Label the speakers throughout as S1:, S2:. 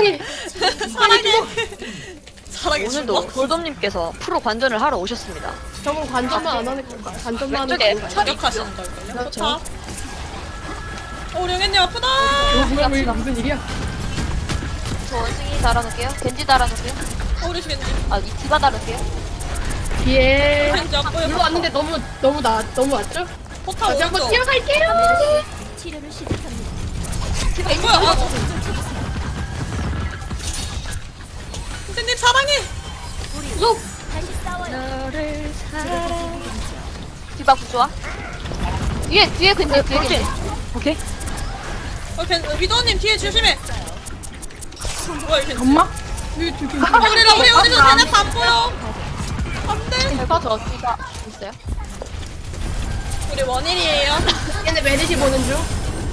S1: 사랑해.
S2: 사랑해.
S3: 오늘도 골돔님께서 프로 관전을 하러 오셨습니다.
S1: 저분 관전만 안 하는 건가? 관전만 하는
S3: 왼쪽에
S1: 건가?
S2: 저격하시는 걸걸요?
S1: 그렇죠.
S2: 좋다. 우리 영현님 아프다.
S1: 왜 무슨 일이야?
S4: 저 원숭이 달아놓을게요. 겐지 달아놓을게요.
S2: 우리 겐지.
S4: 아, 이 디바 달을게요.
S1: 뒤에
S2: 겐지 안 보여.
S1: 물로 왔는데 너무 왔죠?
S2: 포탑
S1: 다시 한번
S2: 오른쪽.
S1: 뛰어갈게요.
S5: 치료를 시작합니다.
S2: 안 보여. 아, 선생님 사랑해.
S5: 다시 싸워요.
S3: 너를 사랑.
S4: 디바 구조화. 뒤에 겐지, 뒤에 겐지.
S3: 오케이.
S2: 위도님 뒤에 조심해. 뭐야 이게?
S1: 엄마? 왜 저기?
S2: 우리 쟤네 다 안 보여. 안돼.
S4: 제가 저 디바 있어요.
S2: 우리 원일이에요.
S1: 얘네 메리시 보는 중.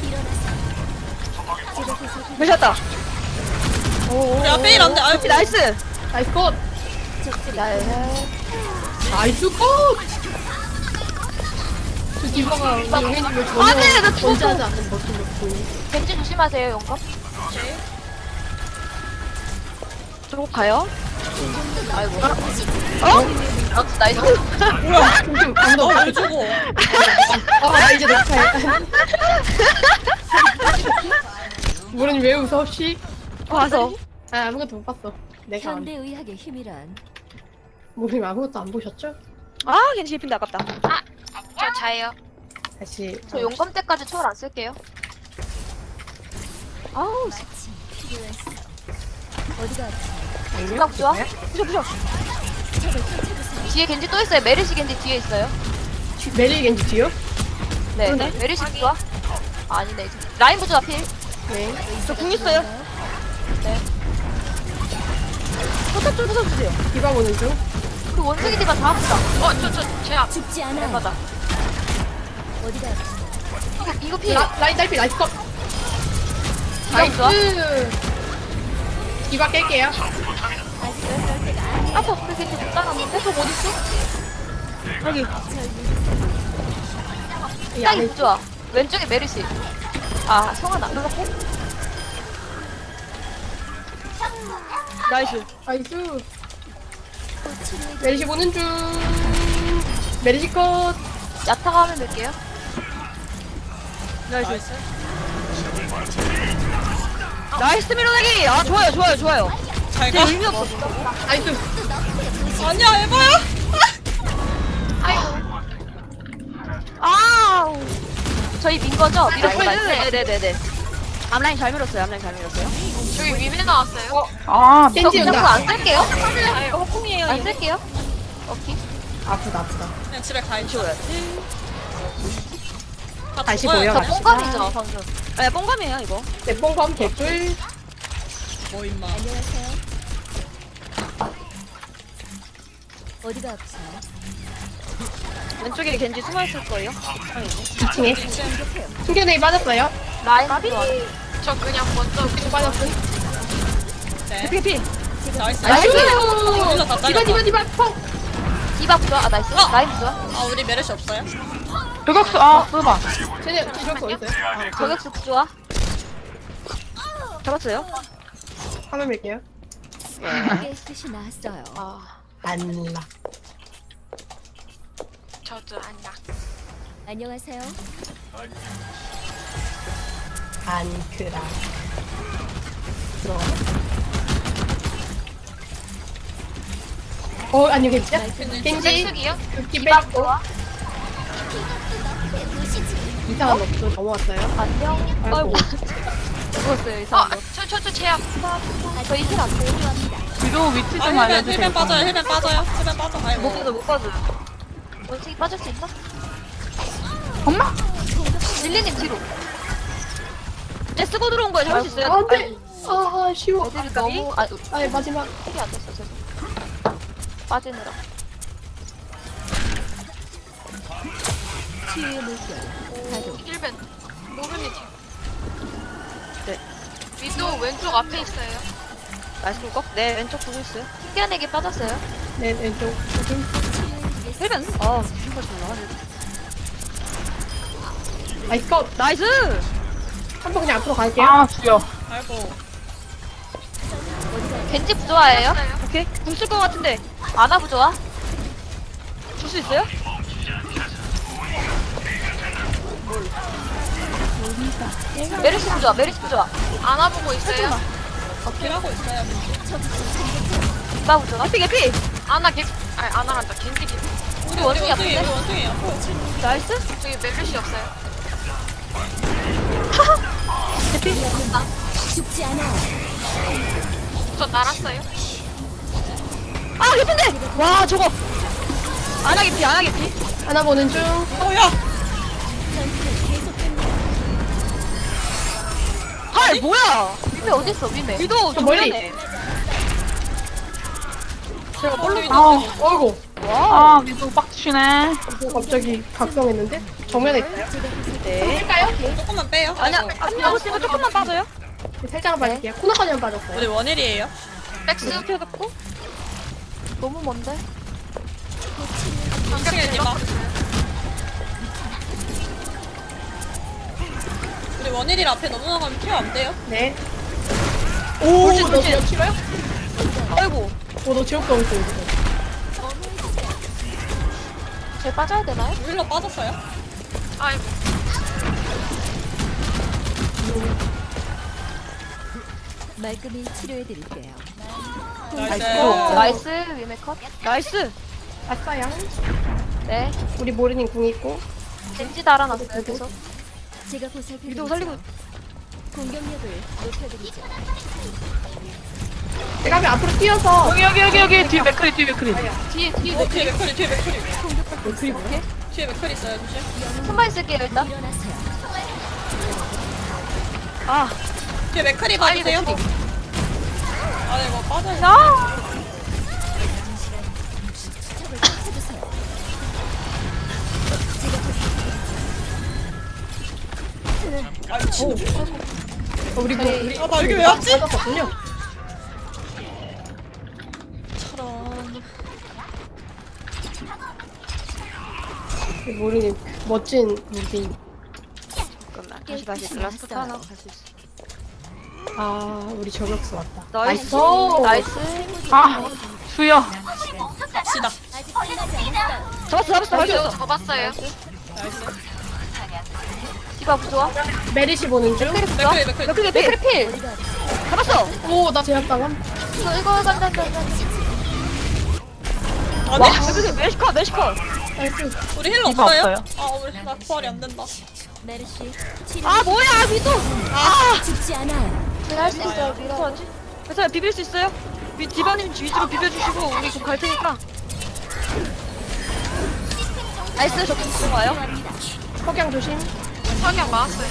S3: 되셨다.
S2: 우리 앞에 일 안돼. 아이고.
S3: 나이스.
S1: 나이스 컷. 나이스 컷. 저 디바가 우리 용혜님을 전혀
S3: 안돼, 나 죽었어.
S1: 견제하지 않는 모습을 보이네.
S4: 겐지 조심하세요, 용감.
S3: 저거 가요?
S4: 아이고.
S3: 어?
S4: 나이스.
S1: 뭐야? 조심. 방금.
S2: 왜 저거?
S1: 나 이제 녹화해. 모르니 왜 웃어? 씨.
S3: 와서.
S1: 아무것도 못 봤어. 내가
S5: 현대 의학의 힘이란
S1: 모르니 아무것도 안 보셨죠?
S3: 아, 괜히 씹힌다 아깝다.
S4: 저 자예요.
S1: 다시.
S4: 저 용감 때까지 초월 안 쓸게요.
S3: 아우,
S5: 마침 필요했어. 어디가 아프세요?
S4: 디바 구조화.
S3: 부셔.
S4: 뒤에 겐지 또 있어요. 메르시 겐지 뒤에 있어요.
S1: 메리 겐지 뒤요?
S4: 네.
S3: 그러네.
S4: 메르시 구조화. 아니네. 이제. 라인 부조화 필.
S1: 네.
S3: 저 궁 있어요.
S4: 네.
S3: 포탑 좀 부숴주세요.
S1: 디바 보는 중.
S4: 그 원숭이 디바 다 아프다.
S3: 제압.
S5: 죽지 않아.
S4: 맞아.
S5: 어디가 아프세요?
S4: 이거 필.
S1: 라인 딸피 나이스 컷.
S4: 라인 좋아.
S1: 디바 깰게요.
S5: 아직 그럴 때가 아니야.
S4: 아파. 그 겐지 못 따랐는데? 저 어딨어?
S3: 여기.
S1: 이
S4: 라인
S1: 안에
S4: 부조화. 왼쪽에 메르시. 아, 성환 안 들어갔고?
S3: 나이스.
S1: 나이스.
S5: 곧 치료해
S1: 메리시 보는 중. 메리시 컷.
S4: 야타가 하면 될게요.
S3: 나이스. 나이스 밀어내기. 아, 좋아요.
S2: 잘
S3: 제
S2: 가.
S3: 의미 없어.
S1: 나이스.
S2: 아니야 에바야.
S3: 아우.
S4: 저희 민 거죠? 밀었어, 나이스.
S3: 네네네네. 앞라인 잘 밀었어요.
S4: 저기 위에 나왔어요.
S3: 아,
S4: 저
S1: 겐지
S4: 그냥
S1: 온다.
S4: 안 쓸게요.
S3: 허풍이에요.
S4: 안 쓸게요. 오케이.
S1: 아프다.
S2: 그냥 집에 가 있죠.
S3: 치워야지.
S2: 다
S1: 다시
S2: 죽어요.
S1: 보여.
S4: 저 뽕감이죠, 방금.
S3: 네, 뽕감이에요 이거.
S1: 내뽕밤 개꿀.
S2: 뭐 임마.
S5: 안녕하세요. 어디가 아프세요?
S3: 왼쪽에 겐지 숨어있을 거예요.
S1: 2층에. 충격력이 빠졌어요.
S4: 라인 좋아.
S1: 또 빠졌음.
S2: 네.
S3: 피.
S2: 나이스.
S1: 나이스.
S2: 여기서 다 잘렸다.
S1: 디바 펑.
S4: 디바 부조화. 아, 나이스. 라인 부조화.
S2: 아 우리 메르시 없어요?
S3: 저격수. 아, 봐.
S1: 쟤네 뒤졌어 어딨어요?
S4: 저격수 부조화.
S3: 잡았어요.
S1: 화면 밀게요.
S5: 깨끗이 나았어요.
S4: 아,
S1: 난라.
S5: 안녕하세요.
S1: 안크라. 들어가. 아니 괜찮아? 겐지
S4: 겐지요?
S1: 극기
S4: 디바
S1: 빼고
S4: 부조화.
S1: 이상한 없어 넘어왔어요.
S4: 안녕.
S1: 아이고.
S4: 죽었어요, 이 사람. 저 제압. 저희 힐안 돼요.
S3: 위도 위치
S2: 아 힐벤 빠져요. 힐벤 빠져. 아이고.
S3: 못 빠져.
S4: 원숭이 빠질 수 있나?
S3: 엄마?
S4: 릴리님 뒤로.
S3: 쟤 쓰고 들어온 거야. 잡을 수 있어요.
S1: 안돼. 아 쉬워.
S4: 애들이 너무 아
S1: 아니 마지막.
S4: 힐이 안 됐어. 죄송. 빠지느라.
S5: 치유의 물결. 가동.
S4: 1벤. 노른이 뒤.
S3: 네.
S4: 위도 왼쪽 앞에 있어요.
S3: 나이스 꿀꺽. 네, 왼쪽 보고 있어요.
S4: 튕겨내기 빠졌어요.
S1: 네 왼쪽.
S3: 힐벤. 아, 힐벤 좋나.
S1: 나이스 컷.
S3: 나이스.
S1: 한번 그냥 앞으로 갈게요.
S3: 아, 죽여.
S2: 아이고.
S3: 겐지 부조화예요? 오케이. 궁쓸것 같은데. 아나 부조화? 줄 수 있어요? 메르시 부조화, 메르시 부조화.
S4: 안아보고 있어요.
S2: 딜하고 있어요.
S3: 나 부조화. 개피, 개피!
S4: 아나 개, 아니 아나란다. 겐지 개.
S3: 우리 원숭이
S2: 우리
S3: 아픈데?
S2: 원숭이에요.
S3: 나이스?
S4: 저기 메르시 없어요.
S5: 죽지 않아요.
S4: 저 날았어요.
S3: 아, 개피인데! 와, 저거! 아나 개피, 아나 개피.
S1: 하나 보는 중.
S2: 야.
S3: 헐, 뭐야! 위메 어딨어, 위메? 위도
S1: 저 멀리.
S3: 정면에.
S1: 제가 볼로.
S6: 아우.
S1: 어이구.
S6: 아, 위도 빡치네.
S1: 갑자기 각성했는데? 정면에 있어요.
S3: 네.
S1: 할까요?
S2: 조금만 빼요.
S3: 아니야,
S2: 아이고.
S3: 안 나오시면 조금만 빠져요.
S1: 살짝만 빠질게요. 코너까지만 빠졌어요.
S2: 우리 원일이에요.
S4: 백스
S3: 이렇게 해갖고. 너무 먼데?
S2: 방청해 마. 우리 원일이 앞에 넘어가면 케어 안 돼요?
S1: 네.
S3: 돌진,
S1: 너
S3: 돌진.
S1: 지옥 싫어요?
S3: 아이고.
S1: 너 지옥 가고 있어, 이거.
S3: 쟤 빠져야 되나요?
S2: 힐러 빠졌어요?
S4: 아이고.
S5: 말끔히 치료해드릴게요.
S2: 나이스.
S3: 나이스, 위메 컷. 나이스.
S1: 아싸야.
S3: 네.
S1: 우리 모르님 궁 있고.
S3: 겐지 달아놨어요, 계속.
S5: 제가
S3: 위도
S5: 보살펴드리죠.
S3: 살리고.
S5: 공격력을 높여드리죠.
S1: 내가 앞에 앞으로 뛰어서.
S6: 여기 뒤에 맥크리 뒤에 맥크리.
S3: 뒤에, 뒤에,
S2: 뒤에 맥커리, 뒤에 맥커리.
S1: 그리고
S2: 뒤에 맥커리 있어요, 조심.
S3: 손만 쓸게요, 일단.
S5: 일어나세요.
S3: 아,
S2: 뒤에 맥커리 봐주세요. 아, 이거 빠져요.
S3: 아!
S5: 척을 쫓아주세요.
S2: 아, 미친.
S1: 우리 우리.
S2: 아, 나 여기 왜 왔지?
S1: 빠졌었군요.
S2: 저런.
S1: 우리 모르님 멋진 무비.
S3: 잠깐만, 다시 라스트 하나 갈 수 있어.
S1: 아, 우리 저격수 왔다.
S3: 나이스.
S1: 나이스.
S3: 나이스.
S6: 아, 수여.
S2: 갑시다.
S5: 아직 끝나지 않았어요.
S3: 잡았어, 잡았어.
S4: 잡았어요.
S2: 나이스.
S3: 디바 부조화.
S1: 메리시 보는 중.
S3: 맥크리 부조화.
S2: 맥크리, 맥크리.
S3: 맥크리, 맥크리 필. 잡았어.
S1: 오, 나 제압당함.
S3: 이거 간다.
S2: 아,
S3: 와,
S2: 네.
S3: 맥크리 메시컷, 메시컷.
S1: 나이스.
S2: 우리 힐러
S6: 디바
S2: 없어요?
S6: 없어요.
S2: 아, 우리 나 부활이 안 된다.
S5: 메르시 치료.
S3: 아, 뭐야, 위도. 아,
S5: 죽지 않아요.
S3: 할 수 있어요, 위도. 그래서 비빌 수 있어요? 디바님 위주로 비벼주시고 우리 좀 갈 테니까. 나이스, 저 궁금 와요.
S1: 석양 조심.
S4: 석양 맞았어요.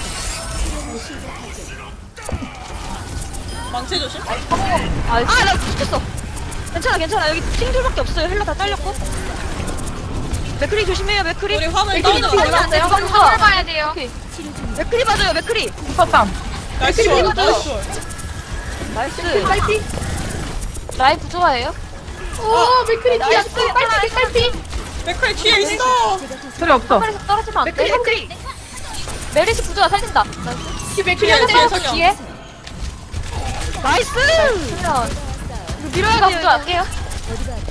S2: 망치 조심.
S3: 아, 나 죽겠어. 괜찮아. 여기 팅줄밖에 없어요. 헬라 다 잘렸고. 맥크리 조심해요, 맥크리.
S2: 우리 화물
S3: 맥크리
S2: 다운돼.
S3: 올라왔어요.
S4: 화물 봐야 돼요.
S3: 오케이. 맥크리 맞아요, 맥크리.
S6: 슈퍼쌈.
S2: 나이스.
S3: 맥크리
S2: 나이스.
S3: 나이스.
S1: 딸피.
S3: 라이프 좋아해요?
S1: 오, 맥크리
S3: 나이스.
S1: 뛰었어. 딸피.
S2: 맥커리 뒤에 있어.
S6: 소리 없어.
S3: 팔에서 떨어지면 안 돼.
S1: 맥크리.
S3: 메리시 부조가 살린다.
S1: 뒤 맥크리
S2: 뒤에,
S1: 한
S2: 뒤에
S1: 대.
S2: 석양.
S3: 뒤에. 나이스. 그러면 이거 밀어야 부조 할게요.
S5: 어디가 아프세요?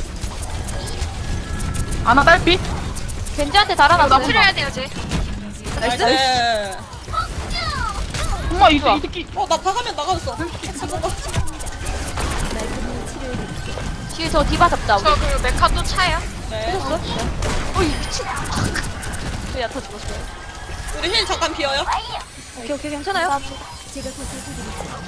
S6: 아나 딸피.
S3: 겐지한테 달아놨어요.
S4: 치료해야 돼요, 쟤.
S3: 나이스.
S2: 나이스.
S6: 엄마 이 새끼.
S2: 나 박으면 나가졌어. 잠깐만.
S5: 말끔히 치료해드릴게요.
S3: 뒤에 저 디바 잡자. 우리.
S4: 저 그 메카 또 차요?
S2: 네.
S3: 어이 미친. 저 얕아 죽었어요.
S2: 우리 힐 잠깐 비어요.
S3: 오케이 괜찮아요.
S5: 제가 보살펴드리죠.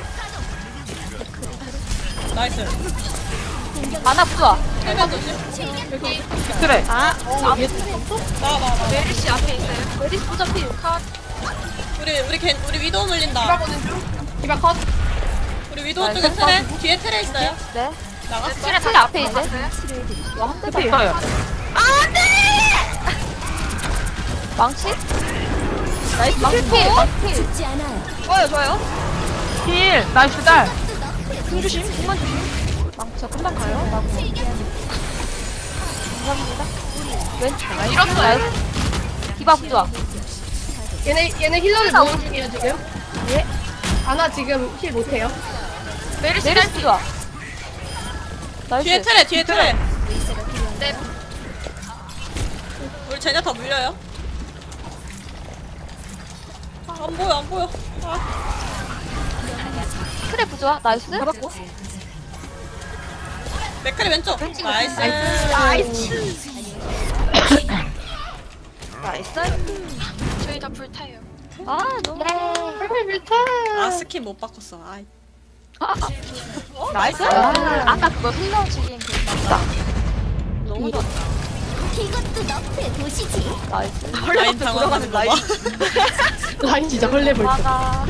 S2: 나이스.
S3: 아나 부조아.
S2: 힐면 조심.
S6: 그래.
S3: 아,
S2: 나와.
S4: 메르시 앞에 있어요.
S3: 메리시 부조 필. 컷.
S2: 우리 위도우
S1: 디바
S2: 물린다.
S1: 보는 중. 디바 컷.
S2: 우리 위도우 쪽에 트레. 뒤에 트레 있어요.
S3: 네.
S2: 나갔어.
S4: 치료
S3: 틀 앞에 있네.
S5: 치료해드릴게요.
S3: 와한 대도
S6: 딸피 있어요.
S3: 망치? 나이스. 망치 필.
S5: 죽지 않아요.
S3: 좋아요.
S6: 힐. 나이스 딸.
S3: 궁 조심. 궁만 조심. 망치 저 금방 가요. 감사합니다. 왼쪽.
S4: 밀었어요.
S3: 디바 부조아.
S1: 얘네 힐러를 모으는 중이에요, 지금. 예. 아나 지금 힐 못해요.
S4: 메르시
S3: 메르시 부좋아. 나이스.
S2: 뒤에 트레 뒤에 트레.
S5: 의사가 필요한가?
S4: 네.
S2: 우리 쟤네 다 물려요. 아, 안 보여 안 보여. 아.
S3: 트랩 부좋아. 나이스.
S1: 잡았고.
S2: 맥크리 왼쪽. 나이스.
S3: 나이스. 나이스.
S4: 저희 다 불타요.
S3: 아, 너무.
S2: 아 스킨 못 바꿨어. 아이.
S3: 나이스.
S4: 아까 그거 힐러 죽인 그
S3: 너무 좋다.
S5: 이것도 너프의 도시지.
S3: 나이스.
S2: 라인 당황하는 거 봐.
S1: 라인 진짜 헐레벌떡.
S3: 맞아.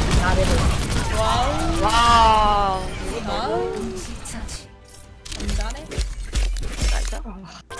S2: 와우.
S3: 와우.
S2: 와우. 잘하네.
S3: 나이스.